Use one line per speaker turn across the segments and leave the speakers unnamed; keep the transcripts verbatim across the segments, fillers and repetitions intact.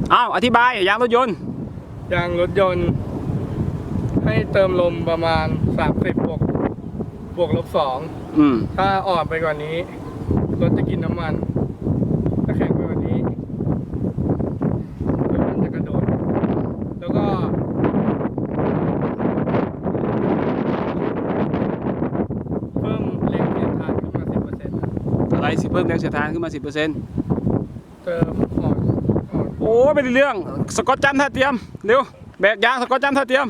อ้าวอธิบายยางรถยนต์
ยางรถยนต์ให้เติมลมประมาณสามสิบบวกบวกลบสองถ้าอ่อนไปกว่านี้รถจะกินน้ำมันถ้าแข็งไปกว่านี้รถมันจะกระโดดแล้วก็เพิ่มแรงเสียดทานขึ้นมาสิบเปอร์เซ็นต์
อะไรสิเพิ่มแรงเสียดทานขึ้นมาสิบเปอร์เซ็นต์
เติมอ่อนอ่อน
โอ้ไม่ได้เรื่องสกอตจันท่าเตรียมเร็วแบกยางสกอตจันท่าเตรียม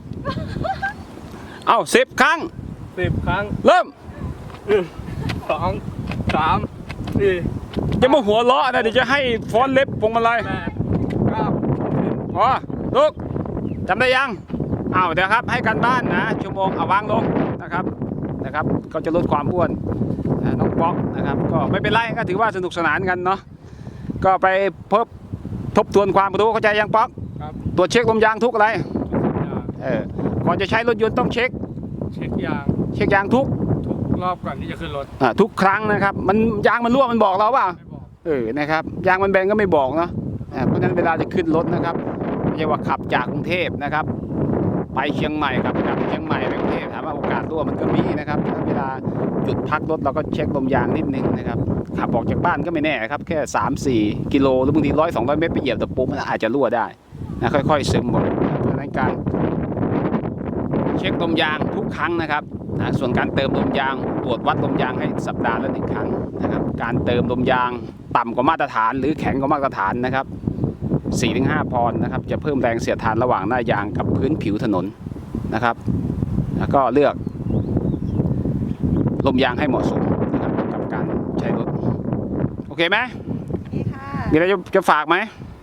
เอาสิบครั้ง
สิบครั้ง
เริ่ม
สองสามสี่
จะมาหัวล้อนะเดี๋ยวจะให้ฟ้อนเล็บพวงมาลัย
แปดเก้า
อ๋อลูกจำได้ยังอ้าวเดี๋ยวครับให้กันบ้านนะชั่วโมงเอาวางลงนะครับนะครับก็จะลดความอ้วนน้องป๊อกนะครับก็ไม่เป็นไรก็ถือว่าสนุกสนานกันเนาะก็ไปเพิ่มทบทวนความรู้เข้าใจยังป๊อกตรวจเช็คลมยางทุกอะไรเออก่อนจะใช้รถยนต์ต้องเช็ค
เช็คยาง
เช็คยางทุก
ทุกรอบก่อนที่จะขึ้นรถ
อ่าทุกครั้งนะครับมันยางมันรั่วมันบอกเราว่าเออนะครับยางมันแบนก็ไม่บอกเนาะเพราะฉะนั้นเวลาจะขึ้นรถนะครับไม่ใช่ว่าขับจากกรุงเทพนะครับไปเชียงใหม่ครับจากเชียงใหม่ไปกรุงเทพถามว่าโอกาสรั่วมันก็มีนะครับเวลาหยุดพักรถเราก็เช็คลมยางนิดนึงนะครับขับออกจากบ้านก็ไม่แน่ครับแค่สามสี่กิโลหรือบางทีร้อยสองร้อยเมตรไปเหยียบตะปูมันอาจจะรั่วได้นะค่อยๆซึมหมดเพราะฉะนั้นการเช็คลมยางทุกครั้งนะครับนะส่วนการเติมลมยางตรวจวัดลมยางให้สัปดาห์ละหนึ่งครั้งนะครับการเติมลมยางต่ำกว่ามาตรฐานหรือแข็งกว่ามาตรฐานนะครับ สี่ถึงห้า ปอนด์นะครับจะเพิ่มแรงเสียดทานระหว่างหน้ายางกับพื้นผิวถนนนะครับแล้วก็เลือกลมยางให้เหมาะสมนะครับกับการใช้รถโอเคไหมมีอะไรจะฝากไหม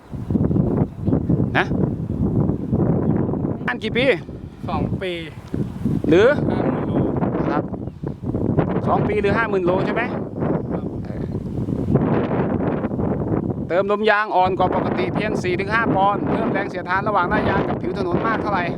นะอันกี่ปี
สองปี
หรือ
ห้าหมื่นโล
ครับสองปีหรือห้าหมื่นโลใช่ไหมเติมลมยางอ่อนกว่าปกติเพียง สี่ถึงห้า ปอนด์เพิ่มแรงเสียดทานระหว่างหน้ายางกับผิวถนนมากเท่าไหร่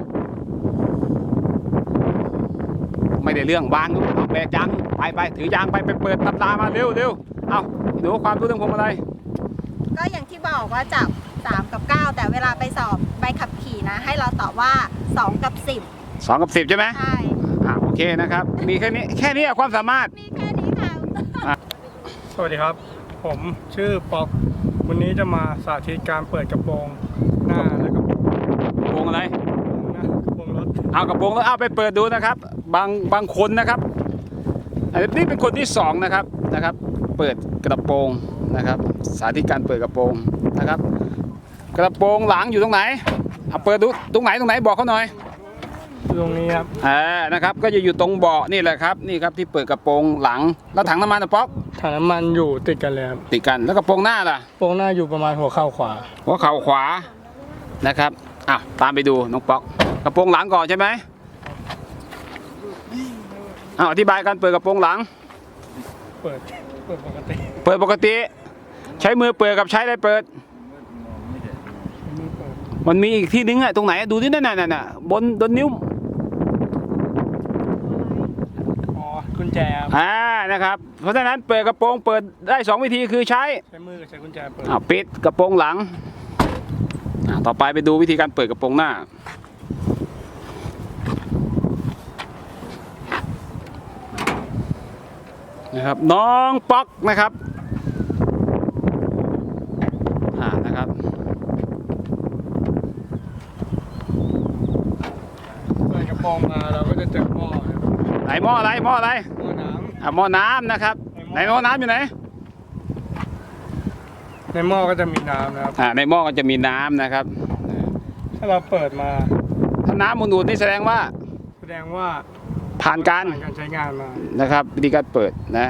ไม่ได้เรื่องวางเอาแบกยางไปไปถือยางไปไปเปิดตำรามาเร็วเร็วเอาดูความรู้เรื่องพวงมาลัย
ก็อย่างที่บอกว่าจับสามกับเก้าแต่เวลาไปสอบใบขับขี่นะให้เราตอบว่าสองกับสิบ
สองกับสิบใช่ไหม
ใช่
อ่าโอเคนะครับมีแค่นี้แค่นี้ความสามารถ
มีแค่นี้ค่ะ
สวัสดีครับผมชื่อป๊อกวันนี้จะมาสาธิตการเปิดกระโปรงหน้าและกระโปรง
กระโปรงอะไร
กระโปรงรถ
เอากระโปรงแล้วเอาไปเปิดดูนะครับบางบางคนนะครับอันนี้เป็นคนที่สองนะครับนะครับเปิดกระโปรงนะครับสาธิตการเปิดกระโปรงนะครับกระโปรงหลังอยู่ตรงไหนเอาเปิดดูตรงไหนตรงไหนบอกเขาหน่อย
ตรงนี้ครับ
อ่านะครับก็จะอยู่ตรงเบาะนี่แหละครับนี่ครับที่เปิดกระโปรงหลังแล้วถังน้ำมันนะป๊อก
ถังน้ำมันอยู่ติดกันเลยครับ
ติดกันแล้วกระโปรงหน้าล่ะ
กระโปรงหน้าอยู่ประมาณหัวเข่าขวา
หัวเข่าขวานะครับอ่ะตามไปดูน้องป๊อกกระโปรงหลังก่อนใช่ไหมอ้าวอธิบายการเปิดกระโปรงหลัง
เปิดเปิดปกติ
เปิดปกติใช้มือเปิดกับใช้อะไรเปิดมันมีอีกที่นึงอะตรงไหนดูที่นั่นน่ะบนบนนิ้ว
อ๋อกุญแจ
อ่านะครับเพราะฉะนั้นเปิดกระโปรงเปิดได้สองวิธีคือใช้
ใช้มือใช้กุญแจเปิด
อ่าปิดกระโปรงหลังอ่าต่อไปไปดูวิธีการเปิดกระโปรงหน้านะครับน้องป๊อกนะครับอ่านะครับ
เปิดกระโปรงมาเราก็จะเจอหม้อ
ไหนหม้ออะไรหม้ออะไร
หม้อน้ำ
อ่าหม้อน้ำนะครับในหม้อน้ำอยู่ไหน
ในหม้อก็จะมีน้ำนะครับ
อ่าในหม้อก็จะมีน้ำนะครับ
ถ้าเราเปิดมา
ถ้าน้ำอุ่นๆนี่แสดงว่า
แสดงว่า
ผ่านการ
การใช้งานมา
นะครับวิธีการเปิดนะ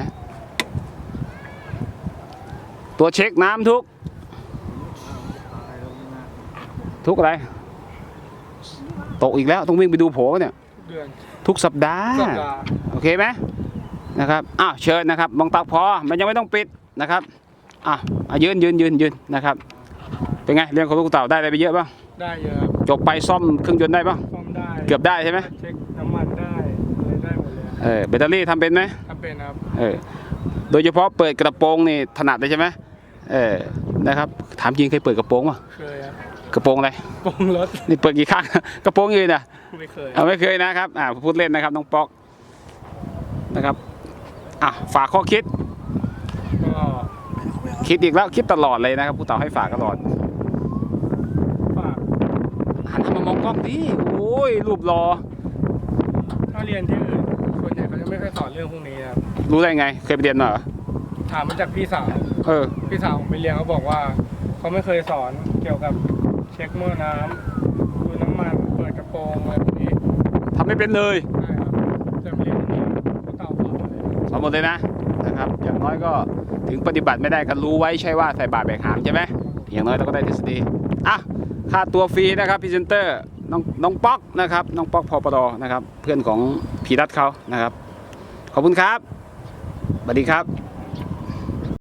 ตัวเช็คน้ำทุกทุกอะไรตกอีกแล้วต้องวิ่งไปดูโผเนี่ยทุกสัปดาห์โอเคไหมนะครับอ้าวเชิญนะครับมองตาพอมันยังไม่ต้องปิดนะครับอ่ะยืนยืนยืนยืนนะครับเป็นไงเรื่องของลูกเต่าได้อะไรไปเยอะป่ะ
ได้เยอะ
จบไปซ่อมเครื่องยนต์ได้ป่ะ
ซ่อมได้
เกือบได้ใช่ไหม
เช็คน้ำมันได้ได้หมดเลย
เออแบตเตอรี่ทำเป็นไหม
ทำเป็นครับ
เออโดยเฉพาะเปิดกระโปรงนี่ถนัดเลยใช่ไหมเออนะครับถามจริงเคยเปิดกระโปรงป่ะ
เคยครับ
กระโปรงอะไร
โปรงรถ
นี่เปิดกี่ครั้ง กระโปรงยืนอ่ะ
ไม่เคย
เอาไม่เคยนะครับอ่าพูดเล่นนะครับน้องป๊อกนะครับอ่ะฝากข้อคิด
ก็
คิดอีกแล้วคิดตลอดเลยนะครับผู้เต่าให้ฝากตลอด
ฝาก
หันมามองกล้องดิโอ้ยรูปรอ
ถ้าเรียนที่อื่นส่วนใหญ่เขาจะไม่ค่อยสอนเรื่องพวกนี้ครับ
รู้ได้ไงเคยไปเรียนมาเหรอ
ถามมาจากพี่สาว
เออ
พี่สาวผมไปเรียนเขาบอกว่าเขาไม่เคยสอนเกี่ยวกับเช็คหม้อน้ำดูน้ำมันเปิดกระโปรงอะไรพวกนี้
ทำไม่เป็นเลย
ใช่ครับจะไปเรียนที่นี่เขาเต่าสอนหมดเลย
สอนหมดเลยนะนะครับ อย่างน้อยก็ถึงปฏิบัติไม่ได้ก็รู้ไว้ใช่ว่าใส่บาตรแบกหามใช่ไหมอย่างน้อยเราก็ได้ทฤษฎีอ่ะค่าตัวฟรีนะครับพรีเซนเตอร์น้องน้องป๊อกนะครับน้องป๊อกพอปดนะครับ เพื่อนของพีรัตเขานะครับ ขอบคุณครับสวัสดีครับ